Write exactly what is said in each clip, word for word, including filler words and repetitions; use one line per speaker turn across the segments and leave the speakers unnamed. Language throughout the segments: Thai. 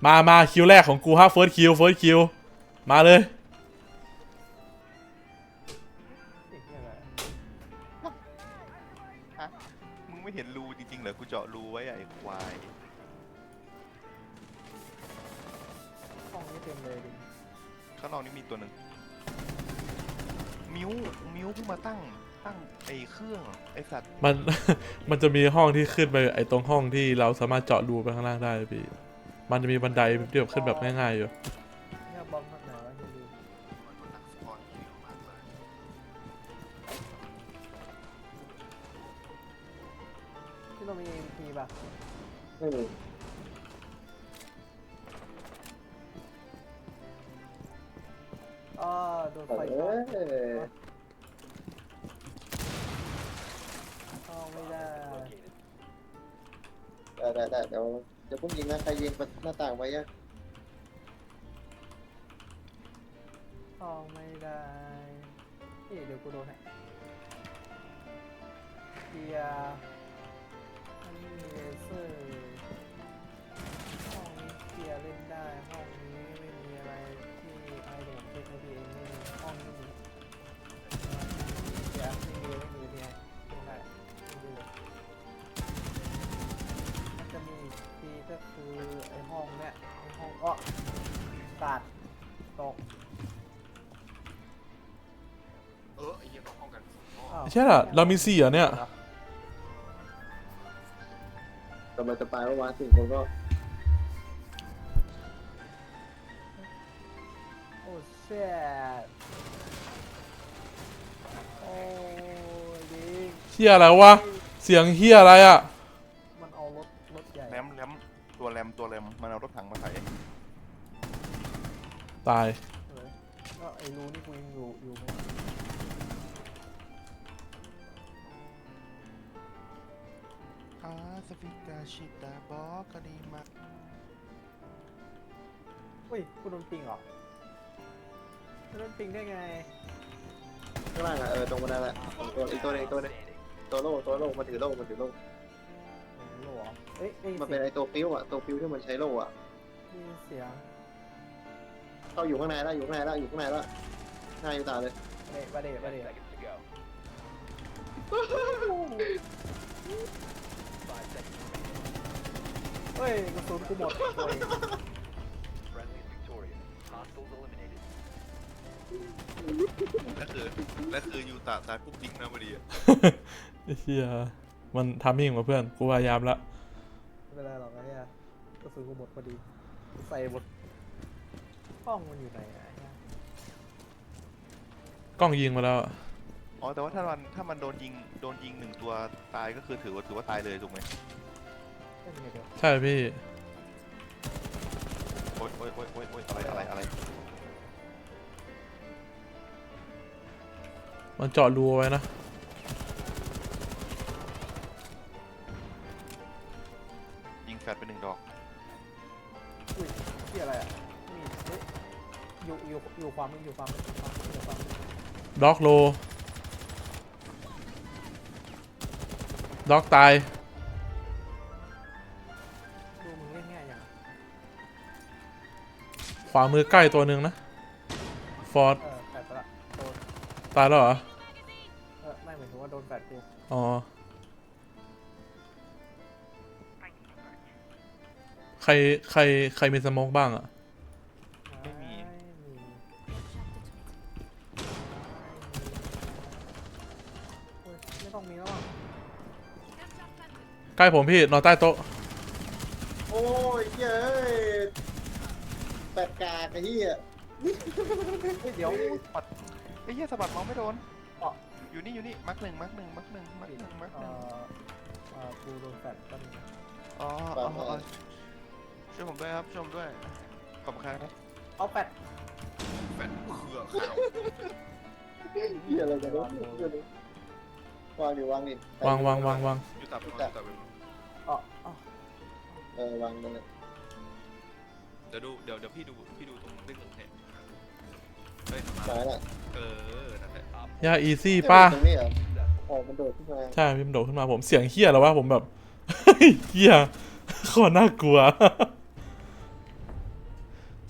มามาคิวแรกของกูฮะเฟิร์สคิวเฟิร์สคิวมาเลย
ฮะมึงไม่เห็นรูจริงๆเหรอกูเจาะรูไว้ไอ้ควาย
ห้องนี้เต็มเลยดิ
ข้างนอกนี่มีตัวหนึ่งมิวมิวเพิ่งมาตั้งตั้งไอ้เครื่องไอ้สัตว์
มัน มันจะมีห้องที่ขึ้นไปไอ้ตรงห้องที่เราสามารถเจาะรูไปข้างล่างได้พี่มันจะมีบันไดที่แบบขึ้นแบบง่ายๆอยู่
เนี่ยบอมข้างไหนวะที่ดูที่เรามี เอ็ม พี ป่ะ
ไม่มี
อ๋อโดนไฟ
เอ
ช็อต
อ
เข้าไม่ได้
ได้ได้ได้เดี๋ยวเดี๋ยวพุ่งยิงนะใครยิงหน้าต่างไว้ยัง
เข้าไม่ได้นี่เดี๋ยวกูโดนให้เกียร์อันนี้เลเซอร์ห้องนี้เกียร์เล่นได้ห้องนี้ไม่มีอะไรที่ไอ้เด็กเทคโนโลยีเองไม่มีห้องนี้มีเกียร์ไม่มีไม่มีเนี่ยไม่ได้ไม่ดูมันจะมีอีกทีก็คือไอ้ห้องเนี้ยไอ้ห้องอ้อตัดตก
เออไอ้เหี้ยต้องห้องกัน
อ้าว
ใช่ล่ะเรามีสี่อ่ะเนี่ย
กำลังจะไปเมื่อวานสี่คนก็
โอ้เชี่ยโอ้ดิ
เฮียอะไรวะเสียงเฮียอะไรอ่ะ
มันเอารถรถใหญ่
แรมแรมตัวแรมตัวแรมมันเอารถถังมาใส่
ตาย
เลยก็ไอ้รูนี่กูยังอยู่อยู่ไหม
อาสฟิกาชิตาบอกกดีมา
เฮ้ยกูโดนปิงเหรอโดนปิงได้ไง
ข้างล่างอ่ะเออตรงบันไดแหละตัวอีกตัวนึงตัวนึงตัวโล่ตัวโล่มันถือโล่มันถือโล่
โหรอเอ้ยเอ้ย
มันเป็นไอตัวฟิวอ่ะตัวฟิวที่มันใช้โล่อ่ะ
มีเสียง
เข้าอยู่ข้างในแล้วอยู่ข้างในแล้วอยู่ข้างในแล้วหน้าอยู่ตาเลย
เดะบาเดะบาเดะเฮ้ยกระสุนกูหมดโอ้ย
แล้วคือแล้วคือยูตาตายปุ๊บยิงนะพอดีอะ
เฮียมันทำมิ่งมาเพื่อนกูพยายามละ
ไม่เป็นไรหรอกไอ้เนี่ยกระสุนกูหมดพอดีใส่หมดห้องมันอยู่ไหนอะไอ้เนี่ย
กล้องยิงมาแล้ว
อ๋อแต่ว่าถ้ามันถ้ามันโดนยิงโดนยิงหนึ่งตัวตายก็คือถือว่าถือว่าตายเลยถูกไหม
เล่นไงเดี๋ยว
ใช่พี่
โอ๊ยโอ๊ยโอ๊ยโอ๊ยโอ๊ยอะไรอะไรอะไร
มันเจาะรูไว้นะ
ยิงแฟดไปหนึ่งดอก
อุ้ยที่อะไรอ่ะมีเฮ้ยอยู่อยู่อยู่ความมึงอยู่ความมึงอยู่ความมึงอยู่ความมึง
ด็อกโลด็อกตาย
ดูมึงเล่นง่ายอย่าง
ขวามือใกล้ตัวหนึ่งนะฟอร์ด
เออแฟดไปละโดน
ตายแล้วเหรอ
เออไม่เหมือนถึงว่าโดนแฟดกู
อ๋อใครใครใครมีสโมกบ้างอ่ะ
ไม่มี
โอ้ยไม่ต้องมีแล้วอ่ะ
ใกล้ผมพี่นอนใต้โต๊ะ
โอ้ยเย้ยแปดกากไอ้เหี้ย
เฮ้ยเดี๋ยว
ปัดไอ้เหี้ยสะบัดเมาส์ไม่โดน
อ๋อ
อยู่นี่อยู่นี่มักหนึ่งมักหนึ่งมักหนึ่งมักหนึ่งมักห
เอ่
นึ่ง
อเอ่อกูโดนแฟดก็มี
อ๋ออ๋ออ๋อช่วยผมด้วยครับช่วยผมด้วยขอบคุณครับ
เอาแฟด
แฟดเขือกขาว
เหี้ยอะไรกันวะวางดิวางดิ
วางวางวางวาง
อยู่ตับอยู่ตับอยู่ตับ
อ๋ออ๋อ
เออวางเลย
เดี๋ยวดูเดี๋ยวเดี๋ยวพี่ดูพี่ดูตรงเรื่องเทปเฮ้ยมา
ตายละ
เออนั่นแหละ
ยาอีซี่ป้า
ตรงนี้เหรออ๋อมันโดดขึ้นมา
ใช่พี่มันโดดขึ้นมาผมเสียงเฮี้ยแล้ววะผมแบบ เฮี้ยโคตรน่ากลัว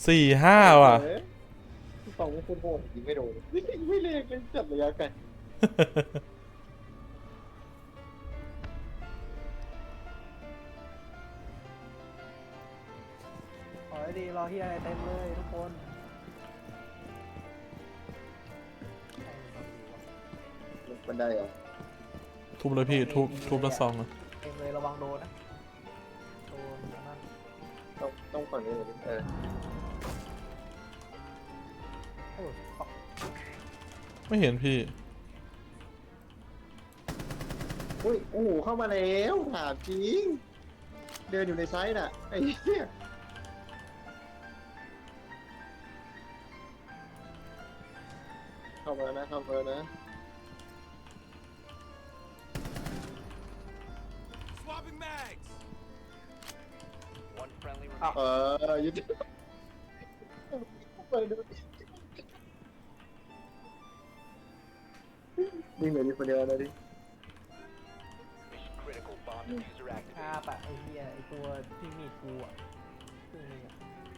สี่ห้าว่ะ
เอ้ยสองคุณโหดยิงไม่โดนยิงไม่เล็กเลยจับระยะไกล
ขอให้ดีรอที่อะไรเต็มเลยทุกคน
บันไดเหรอ
ทุบเลยพี่ทุบทุบละซองอะ
เต็มเลยระวังโดนนะโดนอันนั่น
ต้องต้องฝั่งนี้เลยดิเออ
โอ้ยฟัก
ไม่เห็นพี่
อุ้ยโอ้โหเข้ามาแล้วถามจริงเดินอยู่ในไซส์น่ะไอ้เหี้ยเข้ามาแล้วนะเข้ามาแล้วนะ
Swapping mags. One friendly
เออยุติไปดูวิ่งเหลืออยู่คนเดียวนะดิ
mission critical. Bomb diffuser
ฆ่า
activated.
ปะไอ้เหี้ยไอ้ตัวที่มีดกูอ่ะครึ่งหนึงอะ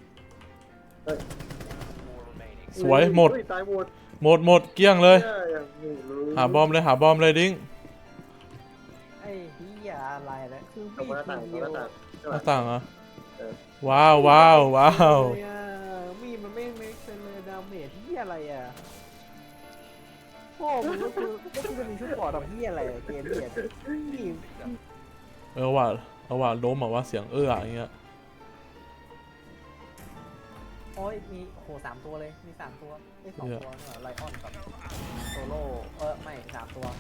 Four remaining.
สวยหมด
เฮ้ยตายหมด
หมดหมดเกลี้ยงเลย
เหี้ยอย่างนี้เลย
หาบอมเลยหาบอมเลยดิ้ง
ไอ้เหี้ยอะไรนะคือ
ตรง
มี
ห
ด
น้า
ที
ต่างตรง
เดียว
หน้าต่าง
หน้าต่างเหรอ
เออ
ว้าวว้าวว้าว
เลยอ่ะมีดมันไม่ไม่เป็นเลยดาเมจที่อะไรอ่ะโอ้มันก็คือก็คือจะมีชุดปอดแบบที่อะไรอะเกมเนี่ยนี่
เออว่าเอาว่าล้มอะว่าเสียงเอื้ออย่างเงี้ย
โอ้ยมีโอ้โหสามตัวเลยมีสามตัวไม่สองตัวนี่หว่าไลออนกับโซโล่เออไม่สามตัว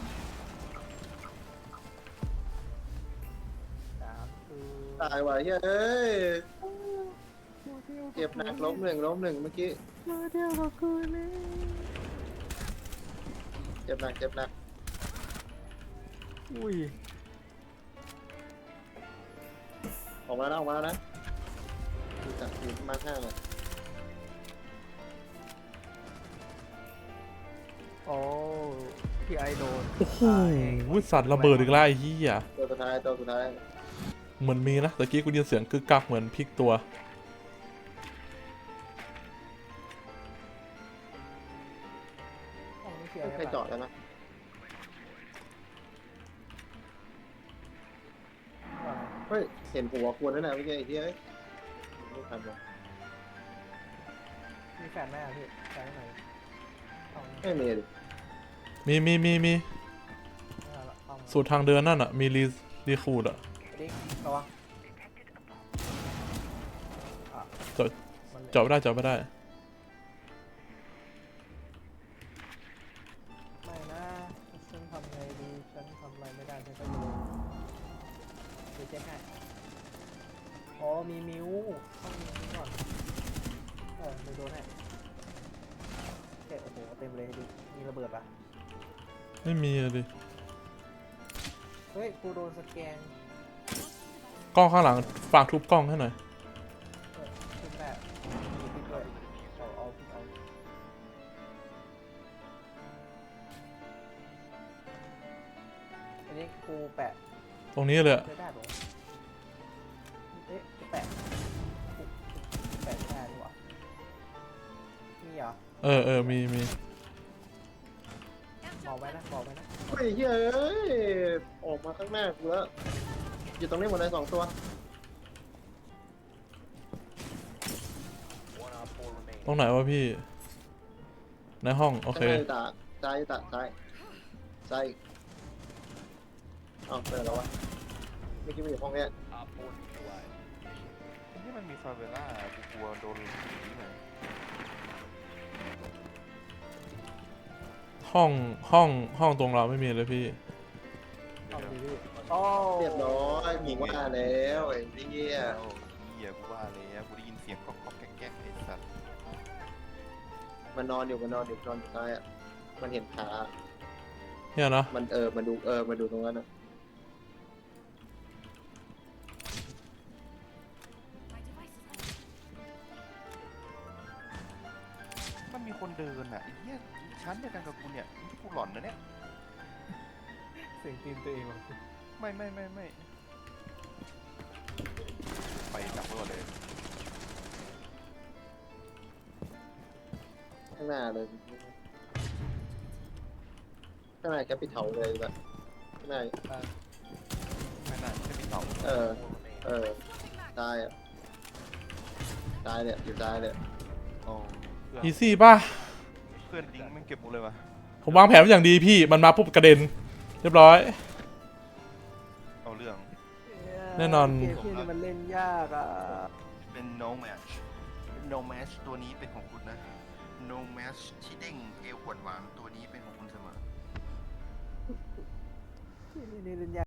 สามคือ
ตายว่ะเฮ้ยเจ็บหนักล้มหนึ่งล้มหนึ่งเมื่อกี้
มาเดียวกับคืนเลย
เจ็บหนักเจ็บหนัก
อุ้ย
ออกมาแล้วออกมาแล้วนะดูจากอยู่ประมาณห้าเลย
โอ้พี่ไอโดน
โอ้โหสัตว์ระเบิดอีกแล้วไอ้เหี้ย
ตัวสุดท้ายตัวสุดท้าย
เหมือนมีนะตะกี้กูได้ยินเสียงกึกกักเหมือนพลิกตัว
ห้องนี้เคลียร์
ใครจอดแล้วนะเฮ้ยเห็นหัวควรนั่นแหละเมื่อกี้ไอ้เหี้ยไม่ทันวะ
มีแฟนไหมอ่ะพี่แฟนไหนห้องนี้
ไม่มีดิ
มีมีมีมี
ไม่เอาละห้อง
สูตรทางเดินนั่นอะมีรีรีคูดอะ
ดิ้งระวังอ่ะ
จอด
มันเหลือ
จอดไม่ได้จอดไม่ได้
ไม่นะฉันทำไงดีฉันทำอะไรไม่ได้ฉันก็อยู่เดี๋ยวเช็คให้อ๋อมีมิวต้องมีมิวก่อนเออเดี๋ยวโดนให้เจ็บโอ้โหเต็มเลยดิมีระเบิดปะ
ไม่มีอะดิ
เฮ้ยกูโดนสแกน
กล้องข้างหลังฝากทุบกล้องให้หน่อย
เออขึ้นแม่มีพิษด้วยเอาเอาเอาอันนี้กูแปะ
ตรงนี้เลยอะ
ไม่ได้หรอเอ๊ะแปะแปะไม่ได้ดีกว่ามีเหรอ
เออเออมีมี
บอกไว้นะบอกไว้นะ
เฮ้ยเฮ้ยออกมาข้างหน้ากูแล้วอยู่ตรงนี้หมดเลยสองตัว
One op four remaining.
ตรงไหนวะพี่ ในห้องโอเค
ข้างหน้าตาซ้ายตาซ้ายซ้ายอ้าวเปิดแล้ววะเมื่อกี้มันอยู่ห้องเนี้ย
Op four neutralized.
ที่มันมีฟาเวล่ากูกลัวโดนผีหน่อย
ห้องห้องห้องตรงเราไม่มีเลยพี่
เอาดีพี่โอ้
เรียบร้อยหมีว่าแล้วไอ้เหี้ย
โอ้เหี้ยกูว่าแล้วกูได้ยินเสียงก๊อกก๊อกแก๊กแก๊กไอ้สัตว์
มันนอนอยู่มันนอนอยู่นอนอยู่ซ้ายอ่ะมันเห็นขา
เนี่ยนะ
มันเออมันดูเออมันดูตรงนั้นอ่ะ
มันมีคนเดินอ่ะไอ้เหี้ยชั้นเดียวกันกับกูเนี่ยกูหลอนนะเนี่ย
เสียงตีนตัวเองว่ะ
ไม่ไม่ไม่ไม่ไปจับไว้ก่อนเลย
หน้าเลยข้างหน้าแคปิทอลเลยแบบข้างหน้า
ไม่น่าจะมีเต่า
เออ เออ ตายอ่ะ ตายเนี่ยอยู่ตายเนี่ย
โอ้เพื่อน
อีซี่ป่ะ
เพื่อนลิงก์ไม่เก็บหมดเลยวะ
ผมวางแผนไว้อย่างดีพี่ มันมาปุ๊บกระเด็น เรียบร้อย
เอาเรื่อง
แน่นอน
เกมที่นี่มันเล่นยากอ่ะ
เป็น no match no match ตัวนี้เป็นของคุณนะ no match ที่เด้งเอวหวานหวานๆตัวนี้เป็นของคุณเสมอ
ที่นี่เล่นยาก